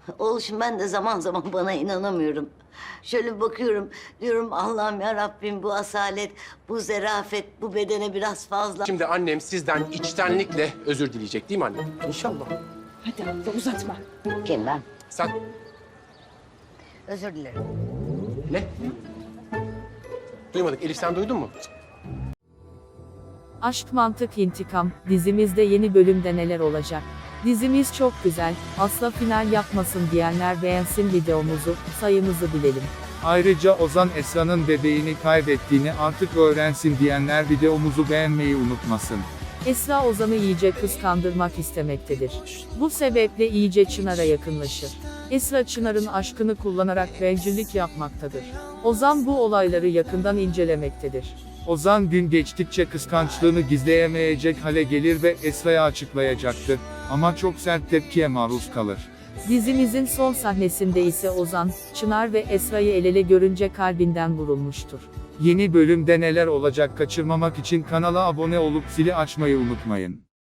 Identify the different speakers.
Speaker 1: Oğlum ben de zaman zaman bana inanamıyorum. Şöyle bakıyorum, diyorum Allah'ım ya Rabbim bu asalet, bu zerafet, bu bedene biraz fazla.
Speaker 2: Şimdi annem sizden içtenlikle özür dileyecek değil mi anne? İnşallah.
Speaker 3: Hadi abla uzatma.
Speaker 1: Kim ben?
Speaker 2: Sen
Speaker 1: Özür dilerim.
Speaker 2: ne? Duymadık. Elif sen duydun mu?
Speaker 4: Aşk Mantık İntikam dizimizde yeni bölümde neler olacak? Dizimiz çok güzel, asla final yapmasın diyenler beğensin videomuzu, sayımızı bilelim.
Speaker 5: Ayrıca Ozan Esra'nın bebeğini kaybettiğini artık öğrensin diyenler videomuzu beğenmeyi unutmasın.
Speaker 4: Esra Ozan'ı iyice kıskandırmak istemektedir. Bu sebeple iyice Çınar'a yakınlaşır. Esra Çınar'ın aşkını kullanarak bencillik yapmaktadır. Ozan bu olayları yakından incelemektedir.
Speaker 5: Ozan gün geçtikçe kıskançlığını gizleyemeyecek hale gelir ve Esra'ya açıklayacaktır. Ama çok sert tepkiye maruz kalır.
Speaker 4: Dizimizin son sahnesinde ise Ozan, Çınar ve Esra'yı el ele görünce kalbinden vurulmuştur.
Speaker 5: Yeni bölümde neler olacak kaçırmamak için kanala abone olup zili açmayı unutmayın.